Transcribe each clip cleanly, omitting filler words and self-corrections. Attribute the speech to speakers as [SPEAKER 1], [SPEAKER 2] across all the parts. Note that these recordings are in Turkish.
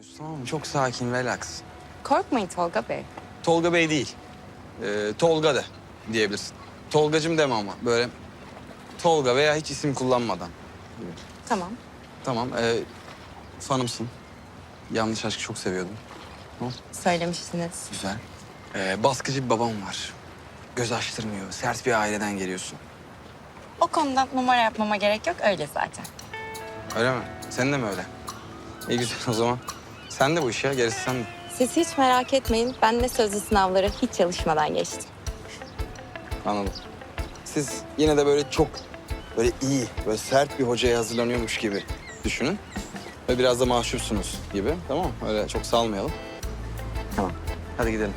[SPEAKER 1] Tamam mı? Çok sakin, relax.
[SPEAKER 2] Korkmayın Tolga Bey.
[SPEAKER 1] Tolga Bey değil. Tolga de diyebilirsin. Tolgacım deme ama böyle Tolga veya hiç isim kullanmadan.
[SPEAKER 2] Tamam.
[SPEAKER 1] Tamam. Fanımsın. Yanlış Aşk'ı çok seviyordum.
[SPEAKER 2] Söylemiştiniz.
[SPEAKER 1] Güzel. Baskıcı bir babam var. Göz açtırmıyor. Sert bir aileden geliyorsun.
[SPEAKER 2] O konuda numara yapmama gerek yok. Öyle zaten.
[SPEAKER 1] Öyle mi? Senin de mi öyle? İyi güzel o zaman. Sen de bu iş ya. Gerisi sen de.
[SPEAKER 2] Siz hiç merak etmeyin. Ben de sözlü sınavları hiç çalışmadan geçtim.
[SPEAKER 1] Anladım. Siz yine de böyle çok böyle iyi, böyle sert bir hocaya hazırlanıyormuş gibi düşünün. Ve biraz da mahcupsunuz gibi. Tamam mı? Öyle çok salmayalım.
[SPEAKER 2] Tamam.
[SPEAKER 1] Hadi gidelim.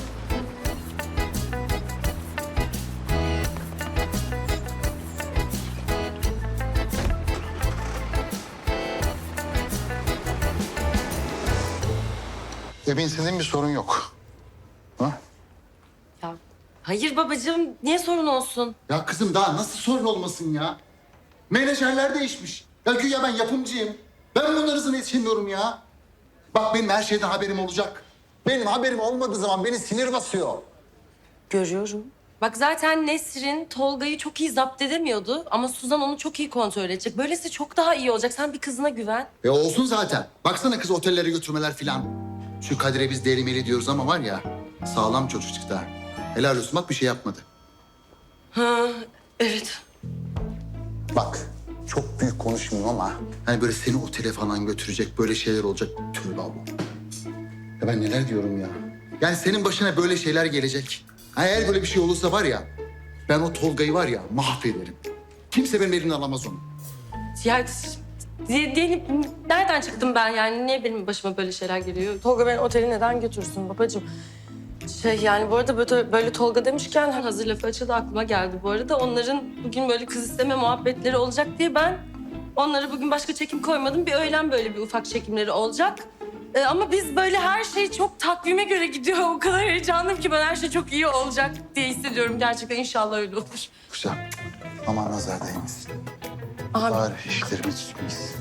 [SPEAKER 3] Emin senin bir sorun yok. Ha?
[SPEAKER 4] Ya hayır babacığım, niye sorun olsun?
[SPEAKER 3] Ya kızım daha nasıl sorun olmasın ya? Menajerler değişmiş. Ya güya ben yapımcıyım. Ben bunların hızına yetişemiyorum ya. Bak benim her şeyden haberim olacak. Benim haberim olmadığı zaman beni sinir basıyor.
[SPEAKER 4] Görüyorum. Bak zaten Nesrin Tolga'yı çok iyi zapt edemiyordu ama Suzan onu çok iyi kontrol edecek. Böylesi çok daha iyi olacak. Sen bir kızına güven.
[SPEAKER 3] Olsun zaten. Baksana kız otellere götürmeler filan. Şu Kadir'e biz delimeli diyoruz ama var ya sağlam çocuk çıktı ha. Helal olsun bak bir şey yapmadı.
[SPEAKER 4] Ha, evet.
[SPEAKER 3] Bak çok büyük konuşmuyorum ama hani böyle seni otele falan götürecek böyle şeyler olacak. Tövbe Allah. Ya ben neler diyorum ya. Yani senin başına böyle şeyler gelecek. Ha, eğer böyle bir şey olursa var ya ben o Tolga'yı var ya mahvederim. Kimse benim elimden alamaz onu.
[SPEAKER 4] Ya diyelim nereden çıktım ben yani? Niye benim başıma böyle şeyler geliyor? Tolga beni otele neden götürsün babacığım? Yani bu arada böyle Tolga demişken hazır lafı açıldı aklıma geldi bu arada. Onların bugün böyle kız isteme muhabbetleri olacak diye ben onlara bugün başka çekim koymadım. Bir öğlen böyle bir ufak çekimleri olacak. Ama biz böyle her şey çok takvime göre gidiyor. O kadar heyecanlıyım ki ben her şey çok iyi olacak diye hissediyorum. Gerçekten inşallah öyle olur.
[SPEAKER 3] Güzel. Aman nazar değmesin.
[SPEAKER 4] Abi.
[SPEAKER 3] Bari işlerimiz tutmayız.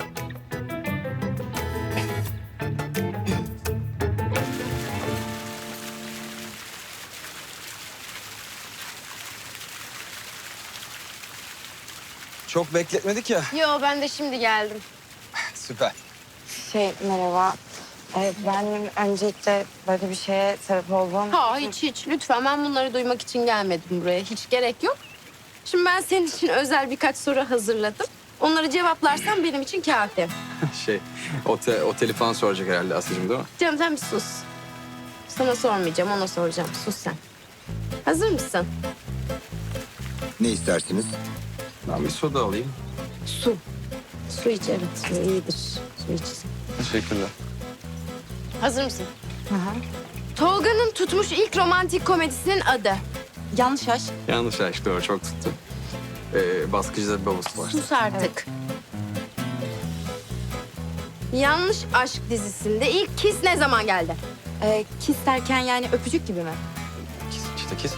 [SPEAKER 1] Çok bekletmedik ya.
[SPEAKER 5] Yo ben de şimdi geldim.
[SPEAKER 1] Süper.
[SPEAKER 2] Merhaba. Ben öncelikle böyle bir şeye sebep oldum.
[SPEAKER 5] Ha hiç lütfen ben bunları duymak için gelmedim buraya. Hiç gerek yok. Şimdi ben senin için özel birkaç soru hazırladım. Onları cevaplarsan benim için kafi.
[SPEAKER 1] Oteli falan soracak herhalde Aslı'cığım değil mi?
[SPEAKER 5] Canım sen bir sus. Sana sormayacağım ona soracağım. Sus sen. Hazır mısın?
[SPEAKER 6] Ne istersiniz?
[SPEAKER 1] Ben bir soda alayım.
[SPEAKER 5] Su. Su iç evet su iyidir. Su iç.
[SPEAKER 1] Teşekkürler.
[SPEAKER 5] Hazır mısın? Tolga'nın tutmuş ilk romantik komedisinin adı.
[SPEAKER 2] Yanlış aşk.
[SPEAKER 1] Yanlış Aşk doğru çok tuttu. Baskıcıda bir babası var.
[SPEAKER 5] Sus artık. Yanlış Aşk dizisinde ilk kiss ne zaman geldi?
[SPEAKER 2] Kiss derken yani öpücük gibi mi?
[SPEAKER 1] İşte kiz.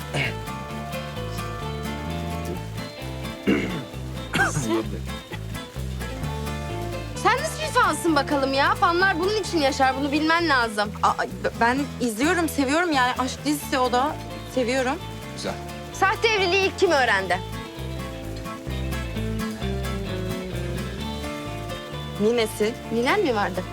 [SPEAKER 5] Sen nasıl bir fansın bakalım ya? Fanlar bunun için yaşar. Bunu bilmen lazım.
[SPEAKER 2] Ben izliyorum, seviyorum yani. Aşk dizisi o da. Seviyorum.
[SPEAKER 1] Güzel.
[SPEAKER 5] Sahte evliliği ilk kim öğrendi?
[SPEAKER 2] Ninesi.
[SPEAKER 5] Ninen mi vardı?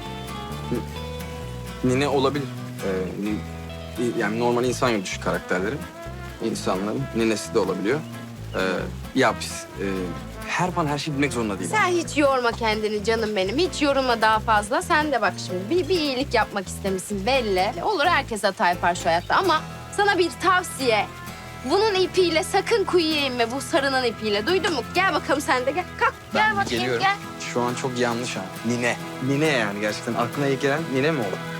[SPEAKER 1] Nine olabilir. Yani normal insan gibi düşük karakterleri. İnsanların ninesi de olabiliyor. Ya biz her şeyi bilmek zorunda değil.
[SPEAKER 5] Sen hiç yorma kendini canım benim. Hiç yorulma daha fazla. Sen de bak şimdi bir iyilik yapmak istemişsin belli. Olur herkes hata yapar şu hayatta ama sana bir tavsiye. Bunun ipiyle sakın kuyuya inme. Bu sarının ipiyle. Duydun mu? Gel bakalım sen de gel. Kalk gel bakayım
[SPEAKER 1] Geliyorum.
[SPEAKER 5] gel.
[SPEAKER 1] Şu an çok yanlış ha. Nine. Nine yani gerçekten. Aklına ilk gelen nine mi olur?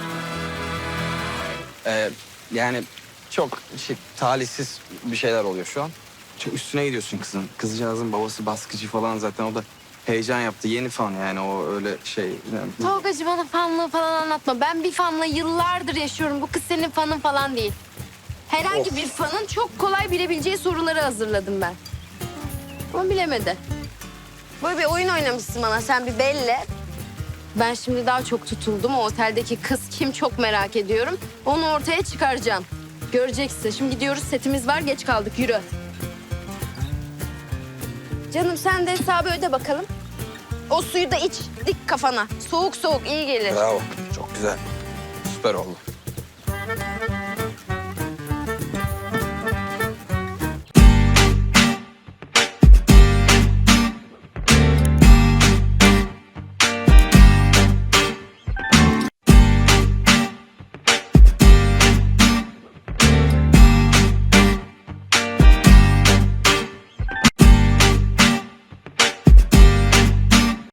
[SPEAKER 1] Yani çok talihsiz bir şeyler oluyor şu an. Çok üstüne gidiyorsun kızın. Kızcağızın babası baskıcı falan zaten o da heyecan yaptı. Yeni fan yani o öyle şey. Yani...
[SPEAKER 5] Tolgacığım bana fanlığı falan anlatma. Ben bir fanla yıllardır yaşıyorum. Bu kız senin fanın falan değil. Herhangi bir fanın çok kolay bilebileceği soruları hazırladım ben. Ama bilemedi. Böyle bir oyun oynamışsın bana sen bir belli. Ben şimdi daha çok tutuldum. O oteldeki kız kim çok merak ediyorum. Onu ortaya çıkaracağım. Göreceksin. Şimdi gidiyoruz, setimiz var, geç kaldık. Yürü. Canım sen de hesabı öde bakalım. O suyu da iç, dik kafana. Soğuk soğuk iyi gelir.
[SPEAKER 1] Bravo. Çok güzel. Süper oldu.